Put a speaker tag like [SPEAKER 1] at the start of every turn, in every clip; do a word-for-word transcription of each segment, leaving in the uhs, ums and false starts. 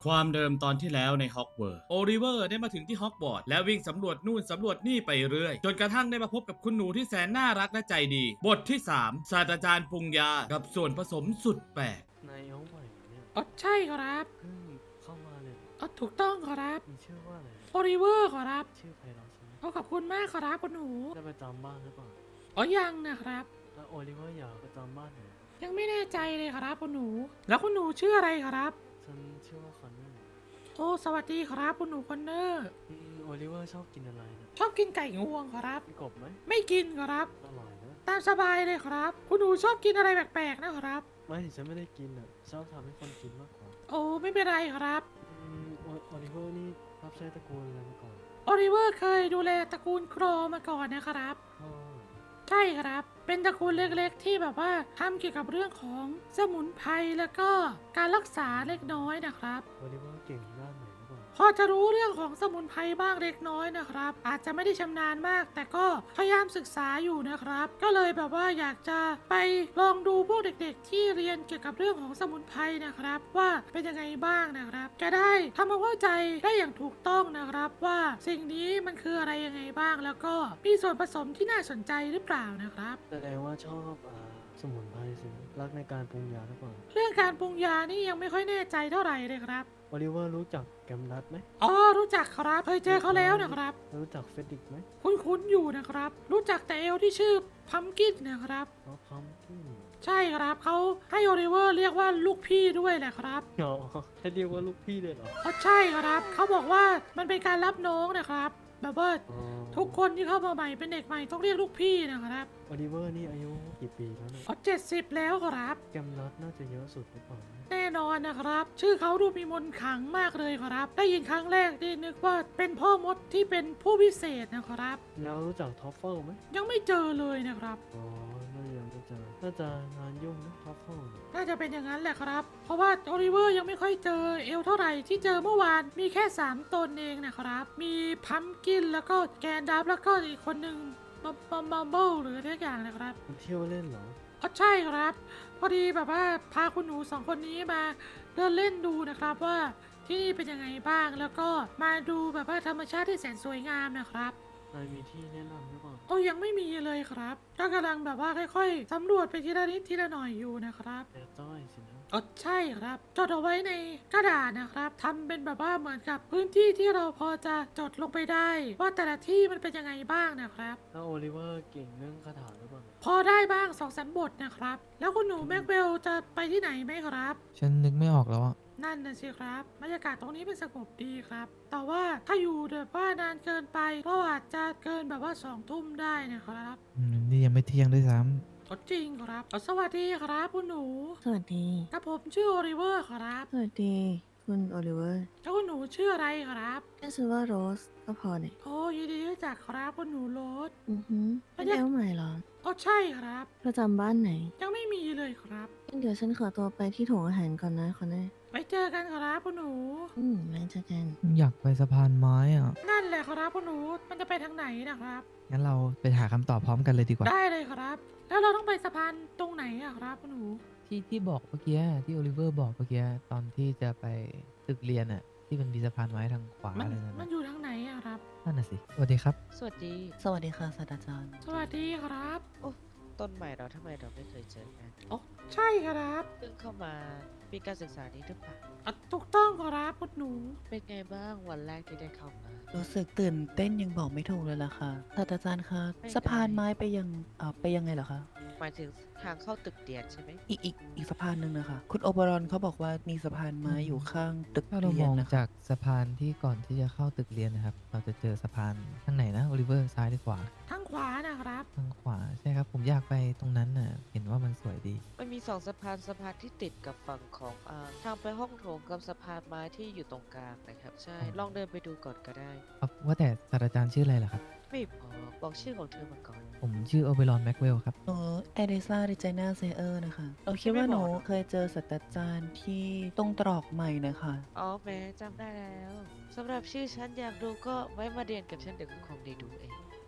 [SPEAKER 1] ความเดิมตอนที่แล้วในฮอกวอตส์โอลิเวอร์ได้มาถึงที่ฮอกวอตส์และวิ่งสำรวจนู่นสำรวจนี่ไปเรื่อยจนกระทั่งได้มาพบกับคุณหนูที่แสนน่ารักและใจดีบทที่สามศาสตราจารย์ปรุงยากับส่วนผสมสุดแปลก
[SPEAKER 2] นายเอาใหม่เนี่ย
[SPEAKER 3] อ๋อใช่ครับ
[SPEAKER 2] เพิ่งเข้ามาเลย
[SPEAKER 3] อ๋อถูกต้องครับ
[SPEAKER 2] มีชื่อว่าอะไร
[SPEAKER 3] โอลิเวอร์ครับ
[SPEAKER 2] ชื่อไพเราะใช่ไหม
[SPEAKER 3] ขอขอบคุณมากครับคุณหนู
[SPEAKER 2] ได้ไปจำบ้านหรือเปล่า
[SPEAKER 3] อ๋อยังนะครับ
[SPEAKER 2] แล้วโอลิเวอร์อยากไปจำบ้านไหน
[SPEAKER 3] ยังไม่แน่ใจเลยครับคุณหนู แล้วคุณหนูชื่ออะไรครับ
[SPEAKER 2] ฉันชื่อว่าคอนเนอร์
[SPEAKER 3] โอ้สวัสดีครับคุณหนูคอนเนอร์
[SPEAKER 2] อืมโอลิเวอร์ชอบกินอะไรนะ
[SPEAKER 3] ชอบกินไก่งวงครับ
[SPEAKER 2] กินกบไหม
[SPEAKER 3] ไม่กินครับ
[SPEAKER 2] อร่อยนะ
[SPEAKER 3] ตามสบายเลยครับ คุณหนูชอบกินอะไรแปลกๆนะครับ
[SPEAKER 2] ไม่ฉันไม่ได้กินอ่ะชอบทำให้คนกินมากกว่า
[SPEAKER 3] โอ้ไม่เป็นไรครับ
[SPEAKER 2] อืมโอโอลิเวอร์นี่รับใช้ตระกูลอะไรมาก่อน
[SPEAKER 3] โอลิเวอร์เคยดูแลตระกูลโครมาก่อนนะครับ
[SPEAKER 2] พ่อ
[SPEAKER 3] ใช่ครับ เป็นตระกูลเล็กๆที่แบบว่าทำเกี่ยวกับเรื่องของสมุนไพรแล้วก็การรักษาเล็กน้อยนะครับ
[SPEAKER 2] โอลิเวอร์เก่งด้านไหนหรือเปล่า
[SPEAKER 3] พอจะรู้เรื่องของสมุนไพรบ้างเล็กน้อยนะครับ อาจจะไม่ได้ชำนาญมาก แต่ก็พยายามศึกษาอยู่นะครับ ก็เลยแบบว่าอยากจะไปลองดูพวกเด็กๆ ที่เรียนเกี่ยวกับเรื่องของสมุนไพรนะครับ ว่าเป็นยังไงบ้างนะครับ จะได้ทำความเข้าใจได้อย่างถูกต้องนะครับ ว่าสิ่งนี้มันคืออะไรยังไงบ้าง แล้วก็มีส่วนผสมที่น่าสนใจหรือเปล่านะครับ
[SPEAKER 2] แสดงว่าชอบอ่าสมุนไพรสิรักในการปรุงยาหรือเปล่า
[SPEAKER 3] เรื่องการปรุงยานี่ยังไม่ค่อยแน่ใจเท่าไหร่เลยครับ
[SPEAKER 2] โอลิเวอร์รู้จักแกมนัทไหม
[SPEAKER 3] อ๋อรู้จักครับเคยเจอเขาแล้วนะครับ
[SPEAKER 2] รู้จักเฟดิกไหม
[SPEAKER 3] คุ้นๆอยู่นะครับ รู้จักแต่เอลที่ชื่อพัมกินนะครับ
[SPEAKER 2] อ๋อพัมกิน
[SPEAKER 3] ใช่ครับเขาให้โอลิเวอร์เรียกว่าลูกพี่ด้วยแหละครับ
[SPEAKER 2] อ๋อให้เรียกว่าลูกพี่เลยเหรอ
[SPEAKER 3] เพราะใช่ครับเขาบอกว่ามันเป็นการรับน้องนะครับ แบบว่า
[SPEAKER 2] อ๋อ
[SPEAKER 3] ทุกคนที่เข้ามาใหม่เป็นเด็กใหม่ต้องเรียกลูกพี่นะครับ
[SPEAKER 2] โอลิเวอร์นี่อายุกี่ปีแล้วเนี่ย
[SPEAKER 3] อ๋อเจ็ดสิบแล้วครับ
[SPEAKER 2] แกมนัทน่าจะเยอะสุดหรือเปล่าเนี่ย
[SPEAKER 3] แน่นอนนะครับ ชื่อเขาดูมีมนต์ขลังมากเลยครับ ได้ยินครั้งแรกที่นึกว่าเป็นพ่อมดที่เป็นผู้พิเศษนะครับ
[SPEAKER 2] แล้วรู้จักท็อฟเฟิลไหม
[SPEAKER 3] ยังไม่เจอเลยนะครับ
[SPEAKER 2] อ๋อน่าจะยังไม่เจอน่าจะงานยุ่งนะท็อฟเฟิล
[SPEAKER 3] น่าจะเป็นอย่างนั้นแหละครับ เพราะว่าโอลิเวอร์ยังไม่ค่อยเจอเอลเท่าไหร่ที่เจอเมื่อวานมีแค่สามตนเองนะครับ มีพัมกินแล้วก็แกนดับแล้วก็อีกคนหนึ่งบัมบัมบัมเบิลหรืออะไรสักอย่างนะครับ
[SPEAKER 2] คุณเที่ยวเล่นเหรอ
[SPEAKER 3] อ๋อใช่ครับ พอดีแบบว่าพาคุณหนูสองคนนี้มาเดินเล่นดูนะครับว่าที่นี่เป็นยังไงบ้างแล้วก็มาดูแบบว่าธรรมชาติที่แสนสวยงามนะครับ
[SPEAKER 2] นายมีที่แนะนำหรือเปล่า
[SPEAKER 3] โอ้ยังไม่มีเลยครับก็กำลังแบบว่าค่อยๆสำรวจไปทีละนิดทีละหน่อยอยู่นะครับ
[SPEAKER 2] แต่จ้อยสินะ
[SPEAKER 3] อ๋อใช่ครับจดเอาไว้ในกระดาษนะครับทำเป็นแบบว่าเหมือนกับพื้นที่ที่เราพอจะจดลงไปได้ ว่าแต่ละที่มันเป็นยังไงบ้างนะครับ
[SPEAKER 2] แล้วโอลิเวอร์เก่งเรื่องคาถาหรือเปล่า
[SPEAKER 3] พอได้บ้างสองสามบทนะครับ แล้วคุณหนูแม็กเวลจะไปที่ไหนไหมครับ
[SPEAKER 4] ฉันนึกไม่ออกแล้วอ่ะ
[SPEAKER 3] นั่นน่ะสิครับบรรยากาศตรงนี้เป็นสงบดีครับ แต่ว่าถ้าอยู่แบบว่านานเกินไปก็อาจจะเกินแบบว่าสองทุ่มได้นะครับ
[SPEAKER 4] อืมนี่ยังไม่เที่ยงด้วยซ้
[SPEAKER 3] ก็จริงครับอ๋อสวัสดีครับคุณหนู
[SPEAKER 5] สวัสดี
[SPEAKER 3] กับผมชื่อโอลิเวอร์ครับ
[SPEAKER 5] สวัสดีคุณโอลิเวอร์
[SPEAKER 3] แล้วคุณหนูชื่ออะไรครับ
[SPEAKER 5] ชื่อชื่อว่าโรสก็พอเนี่ย
[SPEAKER 3] โอ้ยินดีรู้จักครับคุณหนูโรส
[SPEAKER 5] อือหือเป็นเอลใหม่เหรอ
[SPEAKER 3] อ๋อใช่ครับ
[SPEAKER 5] ประจำบ้านไหน
[SPEAKER 3] ยังไม่มีเลยครับ
[SPEAKER 5] งั้นเดี๋ยวฉันขอตัวไปที่โถงอาหารก่อนนะคอนเน่
[SPEAKER 3] ไปเจอกันครับคุณหนู
[SPEAKER 5] อืมไว้เจอกัน
[SPEAKER 4] ำอยากไปสะพานไม้อ่ะ
[SPEAKER 3] นั่นแหละครับคุณหนู มันจะไปทางไหนนะครับ
[SPEAKER 4] งั้นเราไปหาคำตอบพร้อมกันเลยดีกว่า
[SPEAKER 3] ได้เลยครับ แล้วเราต้องไปสะพานตรงไหนอะครับคุณหนู
[SPEAKER 4] ที่ที่บอกเมื่อกี้ที่โอลิเวอร์บอกเมื่อกี้ตอนที่จะไปตึกเรียนอ่ะที่มันมีสะพานไม้ทางขวา
[SPEAKER 3] มัน
[SPEAKER 4] อะไรนั่น
[SPEAKER 3] มัน
[SPEAKER 4] น่ะ
[SPEAKER 3] อยู่ทางไหนอะครับ
[SPEAKER 4] นั่นน่ะสิสวัสดีครับ
[SPEAKER 6] สวัสดี
[SPEAKER 5] สวัสดีค่ะศาสตราจารย์
[SPEAKER 3] สวัสดีครับ
[SPEAKER 6] โอ้ต้นใหม่เราทำไมเราไม่เคยเจอกัน
[SPEAKER 3] อ๋อใช่ครับ
[SPEAKER 6] เพิ่งเข้ามาปีการศึกษานี้หรือเปล่า
[SPEAKER 3] อ่ะถูกต้องครับคุณหนู
[SPEAKER 6] เป็นไงบ้างวันแรกที่ได้เข้ามา
[SPEAKER 5] รู้สึกตื่นเต้นยังบอกไม่ถูกเลยล่ะค่ะศาสตราจารย์คะ
[SPEAKER 6] ไม่ได้
[SPEAKER 5] สะพานไม้ไปยังอ่าไปยังไงเหรอคะ
[SPEAKER 6] หมายถึงทางเข้าตึกเรียนใช่ไหม
[SPEAKER 5] อีกอีกอีกสะพานหนึ่งนะคะคุณโอเบรอนเขาบอกว่ามีสะพานไม้อยู่ข้างตึก
[SPEAKER 4] ถ้าเรา
[SPEAKER 5] เรี
[SPEAKER 4] ม
[SPEAKER 5] ยน
[SPEAKER 4] อง
[SPEAKER 5] นะคะ
[SPEAKER 4] จากสะพานที่ก่อนที่จะเข้าตึกเรียนนะครับ เราจะเจอสะพานทางไหนนะโอลิเวอร์ซ้ายหรือขวา
[SPEAKER 3] ทางขวานะครับ
[SPEAKER 4] ทางขวาใช่ครับผมอยากไปตรงนั้นน่ะเห็นว่ามันสวยดี
[SPEAKER 6] มันมีสองสะพานสะพานที่ติดกับฝั่งของอ่าทางไปห้องโถงกับสะพานไม้ที่อยู่ตรงกลางนะครับ ใช่ ลองเดินไปดูก่อนก็ได้
[SPEAKER 4] ครับว่าแต่ศาสตราจารย์ชื่ออะไรล่ะครับ
[SPEAKER 6] ไม่บอกบอกชื่อของเธอมาก่อน
[SPEAKER 4] ผมชื่อโอเบรอนแม็กเวลครับ
[SPEAKER 5] หนูเอริซาดิเจนาเซเออร์นะคะเราคิดว่าหนูเคยเจอศาสตราจารย์ที่ตรงตรอกใหม่นะคะ
[SPEAKER 6] อ๋อแม้จำได้แล้วสำหรับชื่อฉันอยากดูก็ไว้มาเรียนกับฉันเดี๋ยวก็คงได้ดูเอง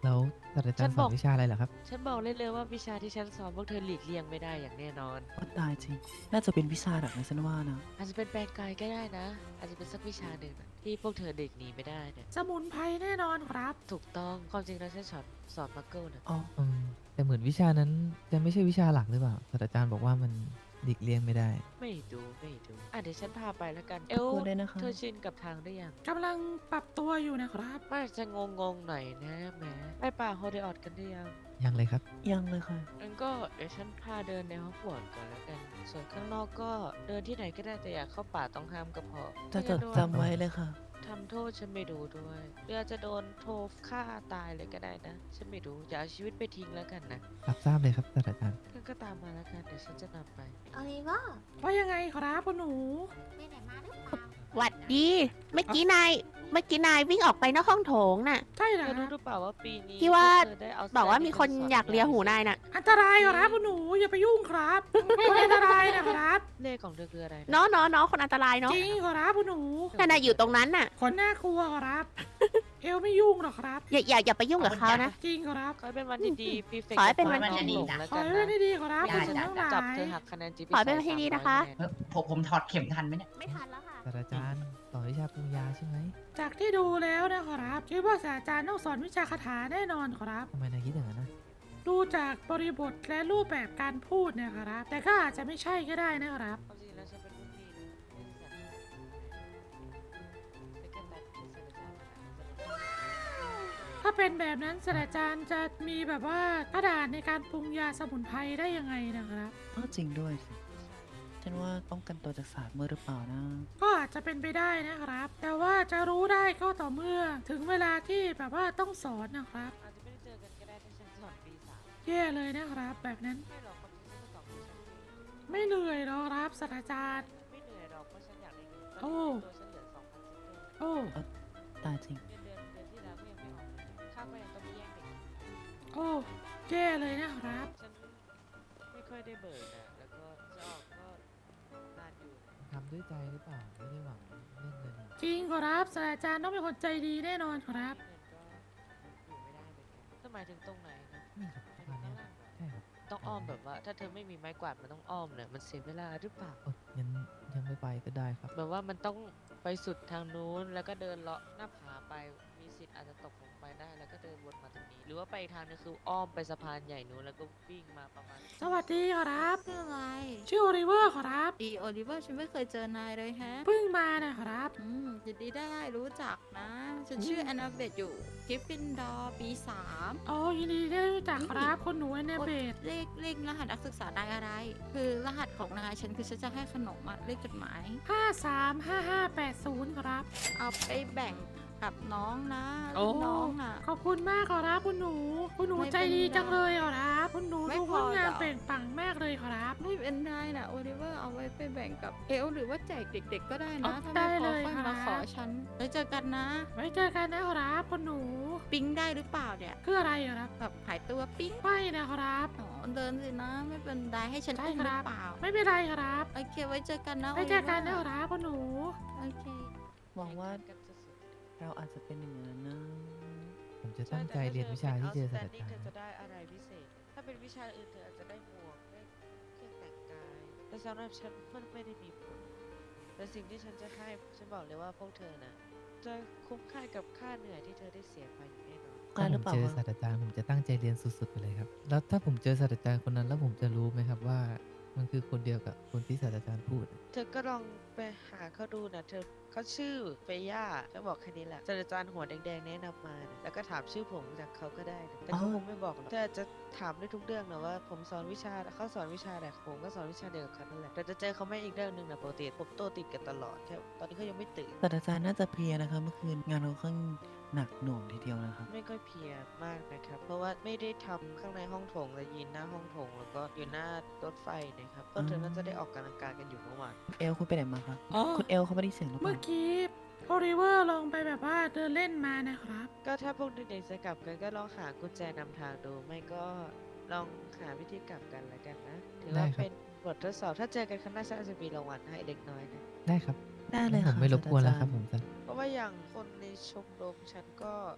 [SPEAKER 4] แล้วศาสตราจารย์สอนวิชาอะไรเหรอครับ
[SPEAKER 6] ฉันบอกเลยเลยว่าวิชาที่ฉันสอนพวกเธอหลีกเลี่ยงไม่ได้อย่างแน่นอน
[SPEAKER 5] ว่าตายจริง น่าจะเป็นวิชาหลักนะฉันว่านะ
[SPEAKER 6] อาจจะเป็นแปลงกายก็ได้นะ อาจจะเป็นสักวิชาหนึ่งนะที่พวกเธอเด็กหนีไม่ได้เนี่ย
[SPEAKER 3] สมุนไพรแน่นอนครับ
[SPEAKER 6] ถูกต้องความจริงแล้วฉันสอนสอนมักเกิลนะ
[SPEAKER 5] อ๋อ
[SPEAKER 4] อืมแต่เหมือนวิชานั้นจะไม่ใช่วิชาหลักหรือเปล่าศาสตราจารย์บอกว่ามันหลีกเลี่ยงไม่ได้
[SPEAKER 6] ไม่ดูไม่ดูอ่ะเดี๋ยวฉันพาไปแล้วกัน เอล
[SPEAKER 5] ขอบคุณด้วยนะคะ
[SPEAKER 6] เธอชินกับทางหรือยัง
[SPEAKER 3] กำลังปรับตัวอยู่นะครับ
[SPEAKER 6] มันอาจจะงงงๆหน่อยนะแหมไปป่าโฮเดออดกันหรือยัง
[SPEAKER 4] ยังเลยครับ
[SPEAKER 5] ยังเลยค่ะ
[SPEAKER 6] งั้นก็เดี๋ยวฉันพาเดินในฮอกวอตส์ก่อนแล้วกัน ส่วนข้างนอกก็เดินที่ไหนก็ได้แต่อย่าเข้าป่าต้องห้ามก็พอ
[SPEAKER 5] จะจดจำไว้เลยค่ะ
[SPEAKER 6] ทำโทษฉันไม่ดูด้วยหรืออาจจะโดนโทษฆ่าตายเลยก็ได้นะ ฉันไม่รู้อย่าเอาชีวิตไปทิ้งแล้วกันนะ
[SPEAKER 4] รับทราบเลยครับศาสตราจารย์
[SPEAKER 6] งั้นก็ตามมาแล้วกันเดี๋ยวฉันจะนำไป
[SPEAKER 7] โอลิเวอร์
[SPEAKER 3] ว่ายังไงครับคุณหนู
[SPEAKER 7] ไปไหนมาหรือเปล่า
[SPEAKER 8] หวัดดี เมื่อกี้นาย เมื่อกี้นายวิ่งออกไปนอกห้องโถงน่ะ
[SPEAKER 3] ใช่เหรอ
[SPEAKER 6] เธอ
[SPEAKER 3] ค
[SPEAKER 6] รู้
[SPEAKER 3] รับ
[SPEAKER 6] หรือเปล่าว่าปีนี้
[SPEAKER 8] ที่ว่า
[SPEAKER 6] พกเธอได้เแสดง
[SPEAKER 8] บอกว่ามีคน
[SPEAKER 6] ที่ธส
[SPEAKER 8] อยากเลียหูนายน่ะ
[SPEAKER 3] อันตรายครับคุณหนูอย่าไปยุ่งครับอันตรายนะครับ
[SPEAKER 6] เลขของเธอคืออะไรนะ
[SPEAKER 8] เนาะเนาะเนาะคนอันตรายเนาะ
[SPEAKER 3] จริงครับคุณหนู
[SPEAKER 8] แต่นายอยู่ตรงนั้นน่ะ
[SPEAKER 3] คนน่ากลัวครับ เอลไม่ยุ่งหรอกครับ
[SPEAKER 8] อย่าอย่าอย่าไปยุ่งกับเขานะ
[SPEAKER 3] จริงครับ
[SPEAKER 6] ขอให้เป็นวันที่ดีพี่เฟก
[SPEAKER 8] ขอให้เป็นวัน
[SPEAKER 6] จะ
[SPEAKER 7] ที่ดี
[SPEAKER 6] หลง
[SPEAKER 7] นะ
[SPEAKER 6] แล้ว
[SPEAKER 3] ขอ
[SPEAKER 6] กัน
[SPEAKER 3] ให้เป็น
[SPEAKER 6] นะ
[SPEAKER 3] ที่ดีครับคุณสนทั้งหลา
[SPEAKER 6] จับเธ
[SPEAKER 3] ย
[SPEAKER 6] อหักคะแนนจีพี
[SPEAKER 8] ขอให้เป็นวันที่ดีนะคะ
[SPEAKER 7] เออผมผมถอดเข็มทันไหมเนี่ย
[SPEAKER 8] ไม่ทันแล้วค่ะ
[SPEAKER 4] ศาสตราจารย์สอนวิชาปรุงยาใช่ไหม
[SPEAKER 3] จากที่ดูแล้วนะครับคิดว่าศาสตราจารย์ต้องสอนวิชาคาถาแน่นอนครับ
[SPEAKER 4] ทำไมนายคิดอย่างนั้นนะ
[SPEAKER 3] ดูจากบริบทและรูปแบบการพูดเนี่ยครับ แต่ก็อาจจะไม่ใช่ก็ได้นะครับ
[SPEAKER 6] ความจริงแล้วฉันเป็นรุ่นพี่นะไม่ใช่สัตว์เป็นแค่ตัดที่ศาสตราจารย์นะคะ
[SPEAKER 3] ถ้าเป็นแบบนั้นศาสตราจารย์จะมีแบบว่ากระดาษในการปรุงยาสมุนไพรได้ยังไงนะครับ
[SPEAKER 5] อ้าวจริงด้วยสิ ฉันว่าป้องกันตัวจากศาสตร์มือหรือเปล่านะ
[SPEAKER 3] ก็อาจจะเป็นไปได้นะครับ แต่ว่าจะรู้ได้ก็ต่อเมื่อ ถึงเวลาที่แบบว่าต้องสอนนะครับ
[SPEAKER 6] อาจจะไม่ได้เจอกันก็ได้ถ้าฉันสอนปีสาม
[SPEAKER 3] แย่เลยนะครับ แบบนั้น
[SPEAKER 6] ไม่หรอกความจริงฉันก็สอนปีฉันปี
[SPEAKER 3] ไม่เหนื่อยหรอกครับศาสตราจารย์
[SPEAKER 6] ไม่เหนื่อยหรอกเพราะฉันอยากได้เงินต
[SPEAKER 3] โอ้
[SPEAKER 6] อนนี้ตัวฉันเหลือสองพันซิกเกิล
[SPEAKER 3] โอ้
[SPEAKER 5] ตายจริง
[SPEAKER 6] เดือนเดือนเดือนที่แล้วก็ยังไม่ออกเลยค่าก็ยังต้องไปแย่งเด็ก
[SPEAKER 3] โอ้แย่เลยนะครับ
[SPEAKER 6] ฉันไม่ค่อยได้เบิกนะแล้วก็จะออกก็นานอยู่นะ
[SPEAKER 4] ทำด้วยใจหรือเปล่า ไม่ได้หวังเรื่องเงินหรอก
[SPEAKER 3] จริงครับศาสตราจารย์ต้องเป็นคนใจดีแน่นอนครับ
[SPEAKER 6] เงินก็อยู่ไม่ได้เหมือนกันถ้าหมายถึงตรงไหนนะ
[SPEAKER 4] นี่ครับประมาณเนี้ยใช่ครับ
[SPEAKER 6] ต้องอ้อมแบบว่า ถ้าเธอไม่มีไม้กวาดมันต้องอ้อมเนี่ยมันเสียเวลาหรือเปล่า
[SPEAKER 4] โอ๊ยงั้นยังไม่ไปก็ได้ครับ
[SPEAKER 6] แบบว่ามันต้องไปสุดทางนู้นแล้วก็เดินเลาะหน้าผาไปมีสิทธิ์อาจจะตกลงไปได้แล้วก็เดินวนมาตรงนี้ หรือว่าไปอีกทางนึงคืออ้อมไปสะพานใหญ่นู้นแล้วก็วิ่งมาประมาณ
[SPEAKER 3] สวัสดีครับ
[SPEAKER 9] ชื่ออะไร
[SPEAKER 3] ชื่อโอลิเวอร์ครับ
[SPEAKER 9] ดีโอลิเวอร์ฉันไม่เคยเจอนายเลยแฮะ
[SPEAKER 3] เพิ่งมานะครับ
[SPEAKER 9] อืมยินดีได้รู้จักนะ ฉันชื่อแอนนาเบตอยู่กิฟฟินดอร์ปีสาม
[SPEAKER 3] อ๋อยินดีได้รู้จักครับคนหนูแอนนาเบต
[SPEAKER 9] เลขเลขรหัสนักศึกษานายอะไร คือรหัสของนายฉันคือฉันจะให้ขนมอะเลขจดหมาย
[SPEAKER 3] ห้าสามห้าห้าแปดศูนย์ครับ
[SPEAKER 9] เอาไปแบ่งกับน้องนะ
[SPEAKER 3] โอ้
[SPEAKER 9] น้องอ่ะ
[SPEAKER 3] ขอบคุณมากครับคุณหนู คุณหนู
[SPEAKER 9] ไม่
[SPEAKER 3] ใจ
[SPEAKER 9] เป็น
[SPEAKER 3] ดี
[SPEAKER 9] ไร
[SPEAKER 3] จังเลยครับคุณหนู
[SPEAKER 9] ไม่
[SPEAKER 3] ดู
[SPEAKER 9] พพ
[SPEAKER 3] ง
[SPEAKER 9] อ
[SPEAKER 3] ดงาม
[SPEAKER 9] หรอ
[SPEAKER 3] เปล่งปลั่งมากเลยครับ
[SPEAKER 9] ไม่เป็นไรนะโอลิเวอร์เอาไว้ไปแบ่งกับเอลหรือว่าแจกเด็ก ๆ ก็ได้
[SPEAKER 3] เอา
[SPEAKER 9] นะ ถ้า
[SPEAKER 3] ได้
[SPEAKER 9] ไม่พอ
[SPEAKER 3] เลย
[SPEAKER 9] ค่อย
[SPEAKER 3] ครั
[SPEAKER 9] มา
[SPEAKER 3] บ
[SPEAKER 9] ขอฉันไว้เจอกันนะ
[SPEAKER 3] ไว้เจอกันนะครับคุณหนู
[SPEAKER 9] ปิ๊งได้หรือเปล่าเนี่ย
[SPEAKER 3] คืออะไรอะครับ
[SPEAKER 9] แบบหายตัวปิ๊ง
[SPEAKER 3] ไม่นะครับ
[SPEAKER 9] อ๋อเดินสินะไม่เป็นไรให้ฉัน
[SPEAKER 3] ใช่
[SPEAKER 9] อุ้ม
[SPEAKER 3] ค
[SPEAKER 9] หรื
[SPEAKER 3] รั
[SPEAKER 9] อบ เปล่า
[SPEAKER 3] ไม่เป็นไรครับ
[SPEAKER 9] โอเคไว้เจอกันนะ
[SPEAKER 3] ไว้เจอกันนะ
[SPEAKER 9] โลิว
[SPEAKER 3] ครับคุณหนู
[SPEAKER 9] โอเค
[SPEAKER 5] หวังว่า
[SPEAKER 6] กันสุด
[SPEAKER 5] เราอาจจะเป็นอย่างนั้นนะ
[SPEAKER 4] ผมจะ
[SPEAKER 6] ๆ
[SPEAKER 4] ตั้งใจเรียนวิชาที่เจอศาสตรา
[SPEAKER 6] นี่
[SPEAKER 4] จาร
[SPEAKER 6] เธอ
[SPEAKER 4] ย์
[SPEAKER 6] จะได้อะไรพิเศษ ถ้าเป็นวิชาอื่นเธออาจจะได้หมวกได้เครื่องแต่งกาย แต่สำหรับฉันมันไม่ได้มีผล แต่สิ่งที่ฉันจะให้ฉันบอกเลยว่าพวกเธอนะจะคุ้มค่ากับค่าเหนื่อยที่เธอได้เสียไปอย่างแน่นอน
[SPEAKER 5] กล้า
[SPEAKER 4] ถ้า
[SPEAKER 5] ห
[SPEAKER 4] ผ
[SPEAKER 5] รือ
[SPEAKER 4] ม
[SPEAKER 5] เปล่า
[SPEAKER 4] เจอ
[SPEAKER 5] วะ
[SPEAKER 4] ศาสตราจารย์ผมจะตั้งใจเรียนสุดๆไปเลยครับ แล้วถ้าผมเจอศาสตราจารย์คนนั้นแล้วผมจะรู้ไหมครับว่ามันคือคนเดียวกับคนที่ศาสตราจารย์พูด
[SPEAKER 6] เธอก็ลองไปหาเขาดูนะเธอเขาชื่อเฟย่าฉันบอกแค่นี้แหละศาสตราจารย์หัวแดงๆแนะนำมานะแล้วก็ถามชื่อผมจากเขาก็ได้นะแต่เขา
[SPEAKER 5] อ๋อ
[SPEAKER 6] คงไม่บอกหรอกเธออาจจะถามได้ทุกเรื่องนะว่าผมสอนวิชาเขาสอนวิชาอะไรผมก็สอนวิชาเดียวกับเขานั่นแหละแต่จะเจอเขาไม่อีกเรื่องหนึ่งนะปกติผมโตติดกันตลอดแค่ตอนนี้เขายังไม่ตื่น
[SPEAKER 5] ศาสตราจารย์น่าจะเพลียนะคะเมื่อคืนงานเราค่อนหนักหน่วงทีเดียวนะครับ
[SPEAKER 6] ไม่ค่อยเพลียมากนะครับ เพราะว่าไม่ได้ทำข้างในห้องโถงและยืนหน้าห้องโถงแล้วก็อยู่หน้ารถไฟนะครับเพราะเธอน่าจะได้ออกกำลังกายกันอยู่เมื่อวาน
[SPEAKER 5] เอลคุณไปไหนมาครับ
[SPEAKER 3] อ๋อ
[SPEAKER 5] คุณเอลเขาไม่ได้เสียงหรือเป
[SPEAKER 3] เมื่อ
[SPEAKER 5] ล่า
[SPEAKER 3] กี้โอลิเวอร์ลงไปแบบว่าเดินเล่นมานะครับ
[SPEAKER 6] ก็ถ้าพวกเด็กๆจะกลับกันก็ลองหากุญแจนำทางดู ไม่ก็ลองหาวิธีกลับกันแล้วกันนะถือว่า
[SPEAKER 4] ได้ครับ
[SPEAKER 6] เป็นบททดสอบถ้าเจอกันครั้งหน้าฉันอาจจะมีรางวัลให้เด็กน้อยนะ
[SPEAKER 4] ได้ครับ
[SPEAKER 5] ได้เลย
[SPEAKER 4] งั้นผ
[SPEAKER 5] ค่ะ
[SPEAKER 4] มไม่รบกวนแล้วครับ
[SPEAKER 5] ศาสตาจาย์
[SPEAKER 4] ผมจะ
[SPEAKER 6] เพราะว่าอย่างคนในชมรมฉันก็ต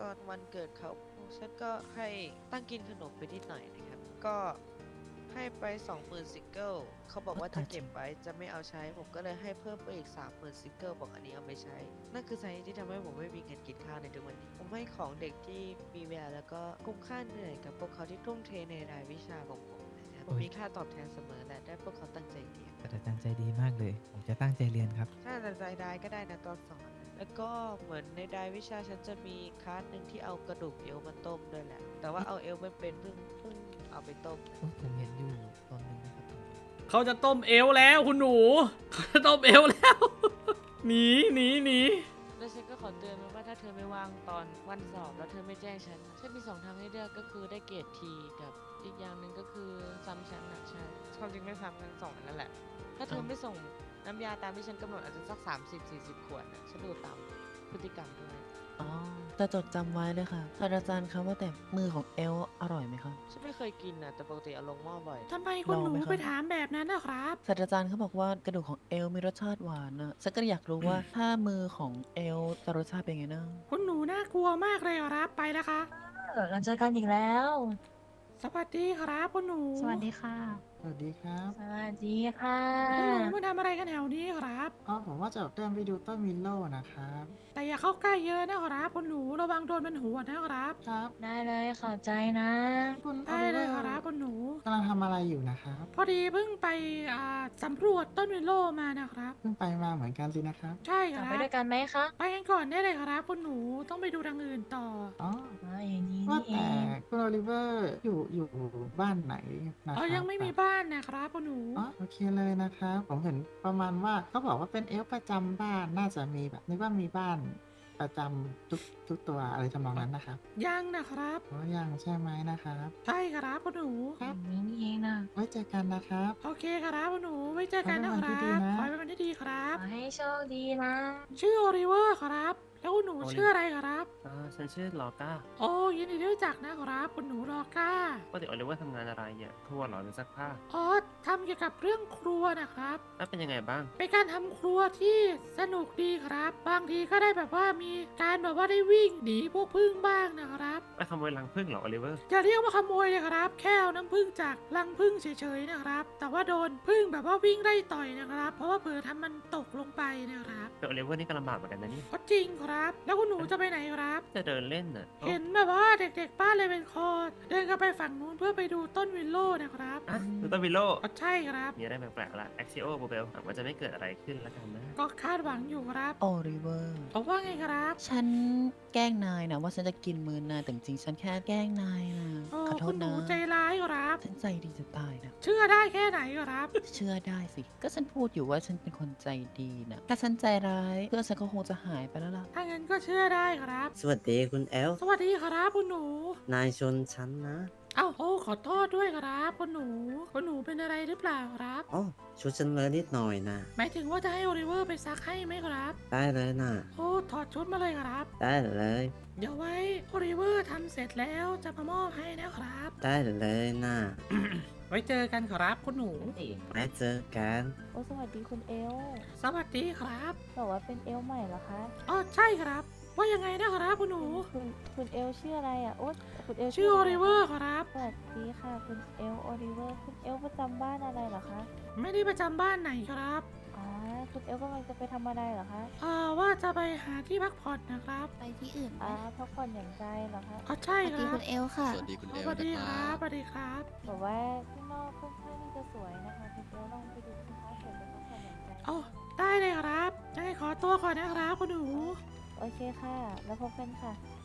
[SPEAKER 6] อนวันเกิดเขาฉันก็ให้ตั้งกินขนมไปนิดหน่อยนะครับ ก็ให้ไป สองหมื่น ซิงเกิลเขาบอกว่าจะเก็บไว้จะไม่เอาใช้ ผมก็เลยให้เพิ่มไปอีก สามหมื่น ซิงเกิลบอกอันนี้เอาไปใช้ นั่นคือสาเหตุที่ทำให้ผมไม่มีเงินกินข้าวในทุกวันนี้ ผมให้ของเด็กที่มีแววแล้วก็คุ้มค่าเหนื่อยกับพวกเขาที่ทุ่มเทในรายวิชาของผมนะครับผมมีค่าตอบแทนเสมอและได้พวกเขาตั้งใจเรียน
[SPEAKER 4] ศาสตราจารย์ใจดีมากเลย ผมจะตั้งใจเรียนครับ
[SPEAKER 6] ถ้าจะใจได้ก็ได้นะตอนสอน แล้วก็เหมือนในรายวิชาฉันจะมีคลาสหนึ่งที่เอากระดูกเอวมาต้มด้วยแหละ แต่ว่าเอาเอวไม่เป็นเพิ่งเพิ่งเอาไปต้มนะ
[SPEAKER 4] โอ้ผมเห็นอยู่ตอนหนึงนะครับ
[SPEAKER 1] เขาจะต้มเอวแล้วคุณหนูเขาจะต้มเอวแล้ว หนีหนีหนี
[SPEAKER 6] แล้วฉันก็ขอเตือนไว้ว่าถ้าเธอไม่ว่างตอนวันสอบแล้วเธอไม่แจ้งฉัน ฉันมีสองทางให้เลือกก็คือได้เกรดทีกับอีกอย่างหนึ่งก็คือซ้ำฉันนะใช่ความจริงไม่ซ้ำกันสองอันนั่นแหละ ถ้าเธอไม่ส่งน้ำยาตามที่ฉันกำหนดอาจจะสัก สามสิบสี่สิบ ขวดนะฉันดูตามพฤติกรรมด้วย
[SPEAKER 5] อ๋อจะจดจำไว้เลยค่ะศาสตราจารย์คะว่าแต่มือของเอลอร่อยไหมคะ
[SPEAKER 6] ฉันไม่เคยกินนะแต่ปกติเอาลงหม้อบ่อย
[SPEAKER 3] ทำไมคุณหนู
[SPEAKER 5] ลองไหมครับ
[SPEAKER 3] ไปถามแบบนั้นนะครับ
[SPEAKER 5] ศาสตราจารย์เขาบอกว่ากระดูกของเอลมีรสชาติหวานนะฉันก็อยากรู้ว่าถ้ามือของเอลจะรสชาติเป็นไงนะ
[SPEAKER 3] คุณหนูน่ากลัวมากเลยครับไปแล้วคะ
[SPEAKER 7] เราเจอกันอีกแล้ว
[SPEAKER 3] สวัสดีครับคุณหนู
[SPEAKER 7] สวัสดีค่ะ
[SPEAKER 2] สวัสดีครับ
[SPEAKER 7] สวัสดีค่ะ
[SPEAKER 3] คุณหนูมาทำอะไรกันแถวนี้ครับ
[SPEAKER 2] อ๋อผมว่าจะเดินไปดูต้นวิลโล่นะครับ
[SPEAKER 3] แต่อย่าเข้าใกล้เยอะนะครับคุณหนูระวังโดนเป็นหัวนะครับ
[SPEAKER 2] ครับ
[SPEAKER 7] ได้เลยขอบใจนะ
[SPEAKER 2] คุณโอ
[SPEAKER 3] ได้
[SPEAKER 2] ลิ
[SPEAKER 3] เล
[SPEAKER 2] เวย อ
[SPEAKER 3] ครับ
[SPEAKER 2] ร์
[SPEAKER 3] คุณหนู
[SPEAKER 2] กำลังทำอะไรอยู่นะครับ
[SPEAKER 3] พอดีเพิ่งไปอ่าสำรวจต้นวิโลมานะครับ
[SPEAKER 2] เพิ่งไปมาเหมือนกันสินะครับ
[SPEAKER 3] ใช่ค
[SPEAKER 7] กลั
[SPEAKER 3] รั
[SPEAKER 7] บบ ไปด้วยกันไหมคะ
[SPEAKER 3] ไปกันก่อนได้เลยครับคุณหนูต้องไปดูทางอื่นต่อ
[SPEAKER 2] อ๋อ
[SPEAKER 7] อ๋ออย่างนี้
[SPEAKER 2] ว่า
[SPEAKER 7] นี่เอ
[SPEAKER 2] แต่
[SPEAKER 7] ง
[SPEAKER 2] คุณโอลิเวอร์อยู่อยู่บ้านไหนนะค
[SPEAKER 3] เอ
[SPEAKER 2] รั
[SPEAKER 3] อบ ยังไม่มีบ้านนะครับคุณหนู
[SPEAKER 2] อ๋อโอเคเลยนะครับ ผมเห็นประมาณว่าเขาบอกว่าเป็นเอลฟ์ประจำบ้านน่าจะมีแบบนึกว่ามีบ้านประจำทุกทุกตัวอะไรทำนองนั้นนะครับ
[SPEAKER 3] ยังนะครับ
[SPEAKER 2] อ๋อยังใช่ไหมนะครับ
[SPEAKER 3] ใช่ครับคุณหนู
[SPEAKER 2] ครับ
[SPEAKER 7] อย่างนี้นี่เองนะ
[SPEAKER 2] ไว้เจอกันนะครับ
[SPEAKER 3] โอเคครับคุณหนูไว้เจอกันนะ
[SPEAKER 2] ขอ
[SPEAKER 3] ค
[SPEAKER 2] ให้
[SPEAKER 3] รั
[SPEAKER 2] วันที่ดี
[SPEAKER 3] บ
[SPEAKER 2] นะ
[SPEAKER 3] ขอให้เป็นวันที่ดีครับ
[SPEAKER 7] ขอให้โชคดีนะ
[SPEAKER 3] ชื่อโอลิเวอร์ครับ แล้วคุณหนู
[SPEAKER 10] โอลิ
[SPEAKER 3] ชื่ออะไรครับ
[SPEAKER 10] อ่าฉันชื่อลอก้า
[SPEAKER 3] โอ้ยินดีที่รู้จักนะครับคุณหนูรอก้า
[SPEAKER 10] ปกติโอลิเวอร์ทำงานอะไรเนี่ยครัวเหรอหรือซักผ้า
[SPEAKER 3] อ๋อทำเกี่ยวกับเรื่องครัวนะครับ
[SPEAKER 10] แล้วเป็นยังไงบ้าง
[SPEAKER 3] เป็นการทำครัวที่สนุกดีครับ บางทีก็ได้แบบว่ามีการแบบว่าได้วิ่งหนีพวกพึ่งบ้างนะครับ
[SPEAKER 10] ไปขโมยรังผึ้งเหรอโอลิเวอร์
[SPEAKER 3] จะเรียกว่าขโมยเลยครับ แค่เอาน้ำพึ่งจากรังพึ่งเฉยๆนะครับ แต่ว่าโดนพึ่งแบบว่าวิ่งไล่ต่อยนะครับ เพราะว่าเผลอทำมันตกลงไปนะครับ
[SPEAKER 10] แต่โอลิเวอร์นี่ก็ลำบากเหมือนกันนะนี่
[SPEAKER 3] ก็จริงครับ แล้วคุณหนูจะไปไหนครับ
[SPEAKER 10] จะเดินเล่นน่ะ
[SPEAKER 3] เห็นแบบว่าเด็กๆบ้านเลยเป็นคอเดินกันไปฝั่งนู้นเพื่อไปดูต้นวิลโล่นะครับ
[SPEAKER 10] อ่ะดูต้นวิลโล่
[SPEAKER 3] ก็ใช่ครับ
[SPEAKER 10] มีอะไรแปลกๆละแอคซิโอโบเบลหวังว่าจะไม่เกิดอะไรขึ้นแล้วกันนะ
[SPEAKER 3] ก็คาดหวังอยู่ครับ
[SPEAKER 5] โอริเวอร์
[SPEAKER 3] บอกว่าไงครับ
[SPEAKER 5] ฉันแกล้งนายนะว่าฉันจะกินมือนายแต่จริงๆฉันแค่แกล้งนายนะ
[SPEAKER 3] โอ้
[SPEAKER 5] ขอโท
[SPEAKER 3] คุ
[SPEAKER 5] ษ
[SPEAKER 3] ณหนู
[SPEAKER 5] นะ
[SPEAKER 3] ใจร้ายครับ
[SPEAKER 5] ฉันใจดีจะตายนะ
[SPEAKER 3] เชื่อได้แค่ไหนครับ
[SPEAKER 5] เชื่อได้สิ ก็ฉันพูดอยู่ว่าฉันเป็นคนใจดีนะ ถ้าฉันใจร้ายเพื่อนฉันก็คงจะหายไปแล้วล่ะ
[SPEAKER 3] ถ้างั้นก็เชื่อได้ครับ
[SPEAKER 11] สวัสดีคุณแอล
[SPEAKER 3] สวัสดีครับคุณหนู
[SPEAKER 11] นายชนฉันนะ
[SPEAKER 3] เอ้าโอ้ขอโทษด้วยครับคุณหนูคุณหนูเป็นอะไรหรือเปล่าครับ
[SPEAKER 11] อ๋อชุดฉันเลอะนิดหน่อยนะ
[SPEAKER 3] หมายถึงว่าจะให้โอลิเวอร์ไปซักให้ไหมครับ
[SPEAKER 11] ได้เลยนะ
[SPEAKER 3] โอ้ถอดชุดมาเลยครับ
[SPEAKER 11] ได้เลย
[SPEAKER 3] เดี๋ยวไว้โอลิเวอร์ทำเสร็จแล้วจะมามอบให้นะครับ
[SPEAKER 11] ได้เลยนะ
[SPEAKER 3] ไว้เจอกันครับคุณหนู
[SPEAKER 11] ไว้เจอกัน
[SPEAKER 9] โอ้สวัสดีคุณเอล
[SPEAKER 3] สวัสดีครับ
[SPEAKER 9] บอกว่าเป็นเอลใหม่เหรอคะ
[SPEAKER 3] อ๋อใช่ครับ ว่ายังไงนะครับคุณหนู
[SPEAKER 9] คุณคุณเอลชื่ออะไรอ่ะ โอ้คุณเอล
[SPEAKER 3] ชื่อโอ
[SPEAKER 9] อะไร
[SPEAKER 3] ลิเวอร์ครับ
[SPEAKER 9] สวัสดีค่ะคุณเอลโอลิเวอร์ คุณเอลประจำบ้านอะไรเหรอคะ
[SPEAKER 3] ไม่ได้ประจำบ้านไหนครับ
[SPEAKER 9] อ๋อ คุณเอลกำลังจะไปทำอะไรเหรอคะ
[SPEAKER 3] เอ่อว่าจะไปหาที่พักผ่อนนะครับ
[SPEAKER 7] ไปที่อื่นไหม
[SPEAKER 9] อ๋อพักผ่อนอย่างใจเหรอคะ
[SPEAKER 3] อ๋อใช่
[SPEAKER 7] สวัส
[SPEAKER 3] ค
[SPEAKER 7] ดี
[SPEAKER 3] รับ
[SPEAKER 7] คุณเอลค่ะ
[SPEAKER 12] สวัสดีคุณเอล
[SPEAKER 3] สวัสดี
[SPEAKER 12] นะ
[SPEAKER 3] ค
[SPEAKER 12] ค
[SPEAKER 3] รั
[SPEAKER 12] รั
[SPEAKER 3] บบ สวัสดีครับ
[SPEAKER 9] บอกว่าข้างนอกค่อนข้างที่จะสวยนะคะคุณเอลลองไปดูสิคะเสร็จแล้วพักผ่อนอย่างใจ
[SPEAKER 3] โอ้ได้เลยครับยังไงขอตัวก่อนนะครับคุณหนู
[SPEAKER 9] โอเคค่ะ แล้วพบกันค่ะ